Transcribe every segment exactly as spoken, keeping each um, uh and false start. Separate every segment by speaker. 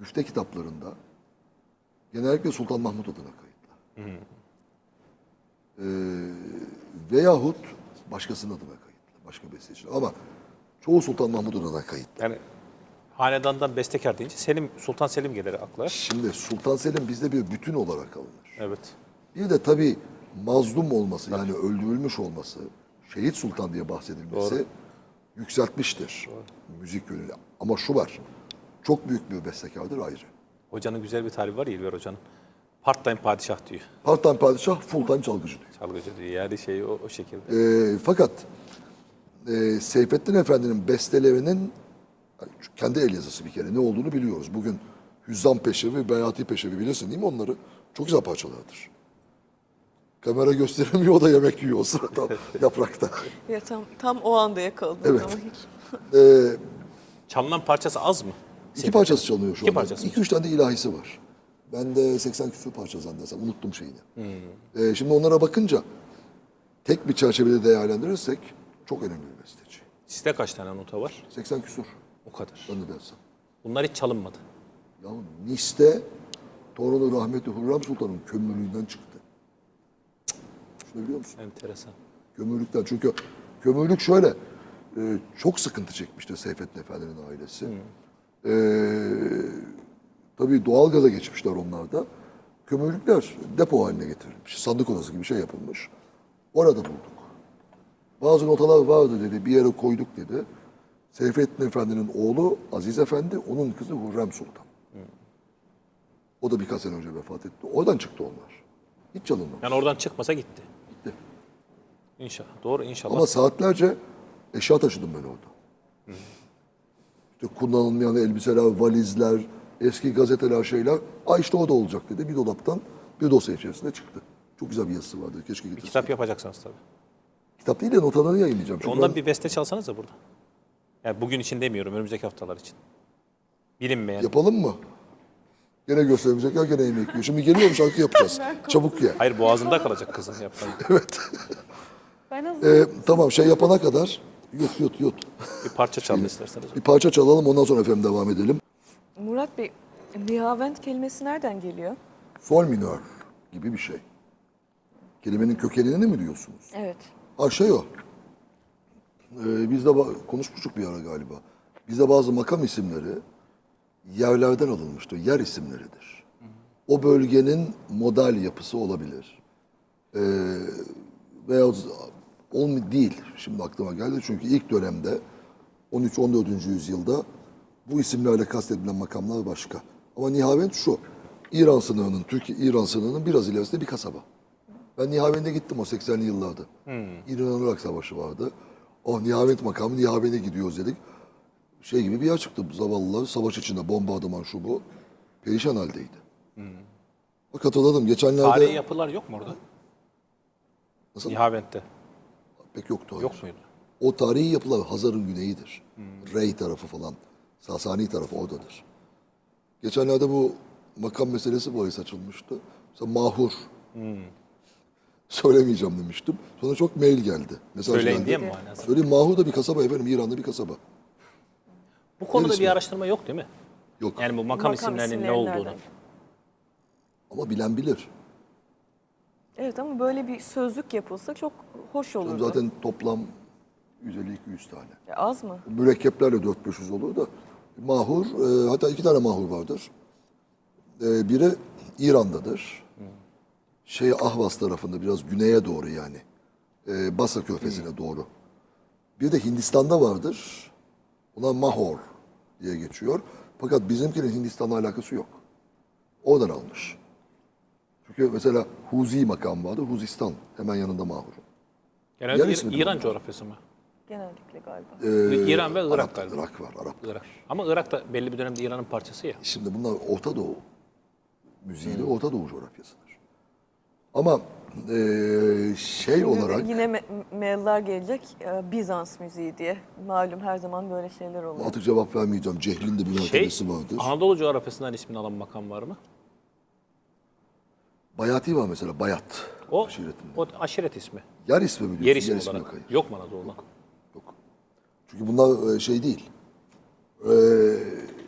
Speaker 1: müfte kitaplarında genellikle Sultan Mahmud adına kayıtlı. Hmm. Ee, veyahut başkasının adına kayıtlı. Başka besteci. Ama çoğu Sultan Mahmud adına kayıtlı.
Speaker 2: Yani hanedandan bestekar deyince Selim, Sultan Selim gelir akla.
Speaker 1: Şimdi Sultan Selim bizde bir bütün olarak alınır.
Speaker 2: Evet.
Speaker 1: Bir de tabii mazlum olması, yani öldürülmüş olması, şehit sultan diye bahsedilmesi
Speaker 2: Doğru.
Speaker 1: yükseltmiştir. Doğru. Müzik yönüyle. Ama şu var, çok büyük bir bestekardır ayrı.
Speaker 2: Hocanın güzel bir tarifi var ya İlber Hoca'nın. Part time padişah diyor.
Speaker 1: Part time padişah, full time çalgıcı diyor.
Speaker 2: Çalgıcı diyor. Yani şey o, o şekilde.
Speaker 1: E, fakat e, Seyfettin Efendi'nin bestelerinin kendi el yazısı bir kere ne olduğunu biliyoruz. Bugün Hüzzam Peşevi, Beyati Peşevi bilirsin değil mi onları? Çok güzel parçalardır. Kamera gösteremiyor, o da yemek yiyor o sırada yaprakta.
Speaker 3: Ya tam, tam o anda yakaladım.
Speaker 1: Evet.
Speaker 3: Ama hiç.
Speaker 1: Ee,
Speaker 2: Çalınan parçası az mı?
Speaker 1: iki parçası çalınıyor şu
Speaker 2: İki
Speaker 1: anda.
Speaker 2: parçası.
Speaker 1: İki üç tane de ilahisi var. Ben de seksen küsur parça zannedersem. Unuttum şeyini. Hmm. Ee, şimdi onlara bakınca tek bir çerçevede değerlendirirsek çok önemli bir besteci.
Speaker 2: Sizde kaç tane nota var?
Speaker 1: seksen küsur.
Speaker 2: O kadar.
Speaker 1: Ben de dersem.
Speaker 2: Bunlar hiç çalınmadı.
Speaker 1: Ya Nis'te torunu rahmetli Hürrem Sultan'ın kömürlüğünden çıktı. Şunu biliyor musun?
Speaker 2: Enteresan.
Speaker 1: Kömürlükten. Çünkü kömürlük şöyle, e, çok sıkıntı çekmişti Seyfettin Efendi'nin ailesi. Hmm. E, tabii doğalgaza geçmişler onlar da. Kömürlükler depo haline getirilmiş. Sandık odası gibi bir şey yapılmış. Orada bulduk. Bazı notalar vardı dedi, bir yere koyduk dedi. Seyfettin Efendi'nin oğlu Aziz Efendi, onun kızı Hürrem Sultan. Hmm. O da birkaç sene önce vefat etti. Oradan çıktı onlar. Hiç çalınmamış.
Speaker 2: Yani oradan çıkmasa gitti.
Speaker 1: Gitti.
Speaker 2: İnşallah. Doğru inşallah.
Speaker 1: Ama saatlerce eşya taşıdım ben orada. Hmm. İşte kullanılmayan elbiseler, valizler, eski gazeteler, şeyler. Ay işte o da olacak dedi. Bir dolaptan bir dosya içerisinde çıktı. Çok güzel bir yazısı vardı. Keşke getirseydim.
Speaker 2: Kitap yapacaksınız tabii.
Speaker 1: Kitap değil de notalarını yayınlayacağım. Çünkü
Speaker 2: Ondan
Speaker 1: ben...
Speaker 2: bir beste çalsanız da burada. Yani bugün için demiyorum, önümüzdeki haftalar için. Bilinmeyen.
Speaker 1: Yapalım mı? Gene göstermeyecekler, gene yemek yiyor. Şimdi geliyorum, şarkı yapacağız. Çabuk ye.
Speaker 2: Hayır, boğazında kalacak kızın yapmayı.
Speaker 1: Evet.
Speaker 3: Ben
Speaker 1: Ee, tamam, şey yapana kadar yut yut yut.
Speaker 2: Bir parça çalın isterseniz.
Speaker 1: Bir parça çalalım, ondan sonra efendim devam edelim.
Speaker 3: Murat Bey, nihavent kelimesi nereden geliyor?
Speaker 1: Sol minör gibi bir şey. Kelimenin kökenini mi diyorsunuz?
Speaker 3: Evet.
Speaker 1: Ha şey o. Ee, biz de ba- konuşmuştuk bir ara galiba. Bizde bazı makam isimleri yerlerden alınmıştır. Yer isimleridir. O bölgenin modal yapısı olabilir. Ee, veya olm değil. Şimdi aklıma geldi. Çünkü ilk dönemde on üç on dördüncü yüzyılda bu isimlerle kastedilen makamlar başka. Ama Nihavend şu. İran sınırının, Türkiye-İran sınırının biraz ilerisinde bir kasaba. Ben Nihavend'e gittim o seksenli yıllarda. Hmm. İran-Irak Savaşı vardı. Oh Nihavend makamı, Nihavend'e gidiyoruz dedik. Şey gibi bir yer çıktı. Zavallılar savaş içinde bombardıman şu bu. Perişan haldeydi. Hmm. Bak hatırladım. Geçenlerde...
Speaker 2: Tarihi yapılar yok mu orada?
Speaker 1: Nasıl?
Speaker 2: Nihavend'de.
Speaker 1: Pek yoktu. Hayır.
Speaker 2: Yok muydu?
Speaker 1: O tarihi yapılar Hazar'ın güneyidir. Hmm. Rey tarafı falan. Sasani tarafı oradadır. Geçenlerde bu makam meselesi bahis açılmıştı. Mesela Mahur. Hmm. Söylemeyeceğim demiştim. Sonra çok mail geldi. Mesaj
Speaker 2: Söyleyin
Speaker 1: geldi.
Speaker 2: diye mi manası?
Speaker 1: Söyleyeyim, Mahur da bir kasaba efendim. İran'da bir kasaba.
Speaker 2: Bu konuda
Speaker 1: Neresi
Speaker 2: bir
Speaker 1: mi?
Speaker 2: araştırma yok değil mi?
Speaker 1: Yok.
Speaker 2: Yani bu makam,
Speaker 3: Makam
Speaker 2: isimlerinin ne
Speaker 3: isimleri
Speaker 2: olduğunu.
Speaker 3: nereden?
Speaker 1: Ama bilen bilir.
Speaker 3: Evet ama böyle bir sözlük yapılsa çok hoş olurdu.
Speaker 1: Zaten toplam yüz elli iki yüz tane.
Speaker 3: Ya az mı?
Speaker 1: Mürekkeplerle dört beş yüz olur da. Mahur, e, hatta iki tane mahur vardır. E, biri İran'dadır. Hmm. Şey Ahvaz tarafında, biraz güneye doğru yani. E, Basra Körfezi'ne hmm. doğru. Bir de Hindistan'da vardır. Ona Mahor diye geçiyor. Fakat bizimkinin Hindistan'la alakası yok. Oradan almış. Çünkü mesela Huzi makam vardır. Huzistan hemen yanında Mahur'un.
Speaker 2: Genelde
Speaker 1: Yer
Speaker 2: İr-
Speaker 1: ismi
Speaker 2: İran
Speaker 1: mi?
Speaker 2: coğrafyası mı?
Speaker 3: Genellikle galiba.
Speaker 1: Ee,
Speaker 2: İran ve Irak
Speaker 1: Arap,
Speaker 2: galiba.
Speaker 1: Irak var, Arap.
Speaker 2: Irak. Ama Irak da belli bir dönemde İran'ın parçası ya.
Speaker 1: Şimdi bunlar Orta Doğu müziğiyle Orta Doğu coğrafyasıdır. Ama e, şey
Speaker 3: Şimdi
Speaker 1: olarak
Speaker 3: yine me- mailler gelecek e, Bizans müziği diye. Malum her zaman böyle şeyler oluyor.
Speaker 1: artık cevap vermeyeceğim. Cehlin de bir
Speaker 2: Şey,
Speaker 1: mertebesi vardır.
Speaker 2: Anadolu coğrafyasından ismini alan makam var mı?
Speaker 1: Bayati var mesela, Bayat.
Speaker 2: O,
Speaker 1: aşiretinde.
Speaker 2: o aşiret ismi.
Speaker 1: Yer ismi mi diyorsun?
Speaker 2: Yer ismi
Speaker 1: Yer ismi
Speaker 2: olarak.
Speaker 1: yok, hayır.
Speaker 2: Yok mu Anadolu'da?
Speaker 1: Yok. Çünkü bunlar e, şey değil. E,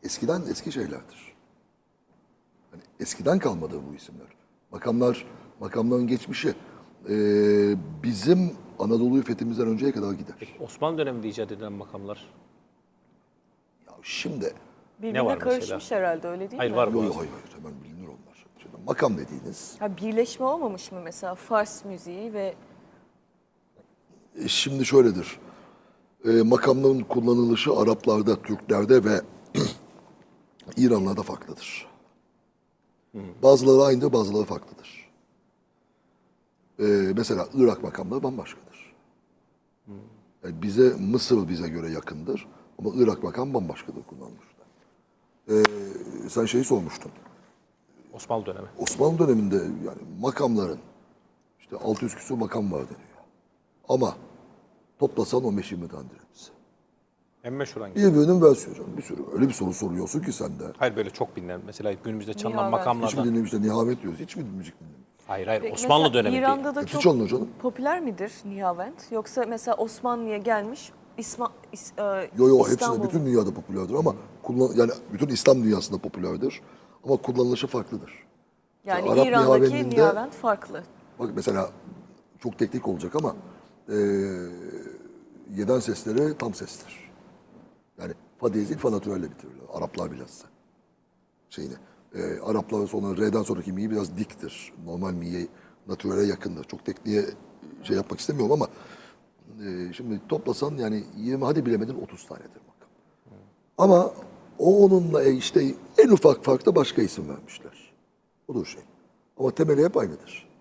Speaker 1: eskiden eski şeylerdir. Hani eskiden kalmadı bu isimler. Makamlar, makamların geçmişi e, bizim Anadolu'yu fethimizden önceye kadar gider.
Speaker 2: Osmanlı döneminde icat edilen makamlar.
Speaker 1: Ya şimdi
Speaker 3: Birbirine
Speaker 2: var mesela?
Speaker 3: karışmış herhalde öyle değil
Speaker 2: Hayır,
Speaker 3: mi?
Speaker 2: var.
Speaker 1: Yok yok hayır hayır hemen bilinir onlar. Şimdi makam dediğiniz,
Speaker 3: Ha, birleşme olmamış mı mesela Fars müziği ve
Speaker 1: e, şimdi şöyledir. E, makamların kullanılışı Araplarda, Türklerde ve İranlarda farklıdır. Bazıları aynıdır, bazıları farklıdır. E, mesela Irak makamları bambaşkadır. Yani bize Mısır bize göre yakındır ama Irak makam bambaşkadır kullanılmışlar. E, sen şeyi sormuştun.
Speaker 2: Osmanlı dönemi.
Speaker 1: Osmanlı döneminde yani makamların işte altı yüz küsur makam var deniyor. Ama toplasan on beş yirmi tanedir hepsi.
Speaker 2: En meşhur hangisi?
Speaker 1: Birbirinin versiyonu canım, bir sürü. Öyle bir soru soruyorsun ki sen de.
Speaker 2: Hayır, böyle çok bilinen. Mesela günümüzde çalınan
Speaker 3: Nihavent.
Speaker 1: Hiç mi
Speaker 2: makamlardan.
Speaker 1: dinlemişler? Nihavet diyoruz. Hiç mi müzik dinlemişler?
Speaker 2: Hayır hayır,
Speaker 3: Peki
Speaker 2: Osmanlı
Speaker 3: mesela
Speaker 2: dönemi
Speaker 3: İran'da
Speaker 2: değil.
Speaker 3: da
Speaker 1: Hepsi
Speaker 3: çok
Speaker 1: çalınıyor canım.
Speaker 3: popüler midir Nihavent? Yoksa mesela Osmanlı'ya gelmiş İsma, İs, e,
Speaker 1: Yo yo hepsi de
Speaker 3: İstanbul-
Speaker 1: bütün dünyada popülerdir ama kullan, yani bütün İslam dünyasında popülerdir. Ama kullanılışı farklıdır.
Speaker 3: yani
Speaker 1: Arap
Speaker 3: İran'daki
Speaker 1: Nihavendinde-
Speaker 3: Nihavent farklı.
Speaker 1: Bak mesela çok teknik olacak ama eee yeden sesleri tam sestir. Yani fa diyez değil fa natürelle bitirirler. Araplar bilhassa. Şeyini. Eee Araplar sonra re'den sonraki mi biraz diktir. Normal mi'ye natürele yakındır. Çok tekniğe şey yapmak istemiyorum ama eee, şimdi toplasan yani yirmi hadi bilemedin otuz tanedir makam. Ama o onunla e, işte en ufak farkta başka isim vermişler. Odur şey. Ama temeli hep aynıdır.